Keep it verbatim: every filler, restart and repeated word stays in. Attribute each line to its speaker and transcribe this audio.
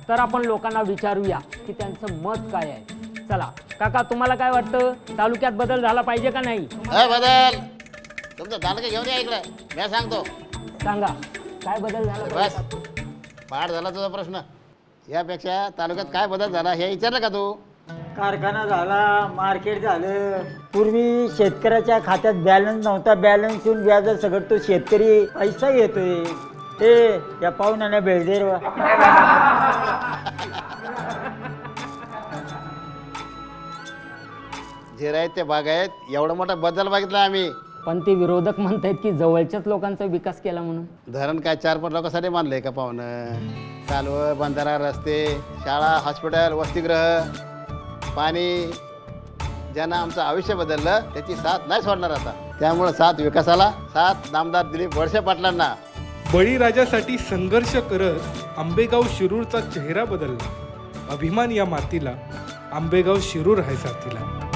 Speaker 1: तर आपण लोकांना विचारूया की त्यांचं मत काय आहे। चला काका, तुम्हाला काय वाटतं, तालुक्यात बदल झाला पाहिजे का नाही?
Speaker 2: अ बदल तुमचं तालुका घेऊन या इकडे, मी सांगतो।
Speaker 1: सांगा काय बदल झाला
Speaker 2: बस
Speaker 1: पाहिजे?
Speaker 2: पाठ झाला तुझा प्रश्न। यापेक्षा तालुक्यात काय बदल झाला हे विचारलं का तू?
Speaker 3: कारखाना झाला, मार्केट झालं। पूर्वी शेतकऱ्याच्या खात्यात बॅलन्स नव्हता, बॅलन्स येऊन व्याज सगळं तो शेतकरी पैसा घेतोय। ते या पाहुण्याने बेळदेर
Speaker 2: जे आहेत ते बाग आहेत, एवढा मोठा बदल बघितला आम्ही।
Speaker 1: पण ते विरोधक म्हणतायत की जवळच्याच लोकांचा विकास केला म्हणून।
Speaker 2: धरण काय चार पाच लोकांसाठी बांधलंय का पाहुणं? कालवं, बंधारा, रस्ते, शाळा, हॉस्पिटल, वसतिगृह, पाणी, ज्यांना आमचं आयुष्य बदललं त्याची साथ नाही सोडणार आता। त्यामुळे साथ विकासाला, साथ नामदार दिलीप वळसे पाटलांना।
Speaker 4: बळीराजासाठी संघर्ष करत आंबेगाव शिरूरचा चेहरा बदलला। अभिमान या मातीला, आंबेगाव शिरूर आहे साथीला।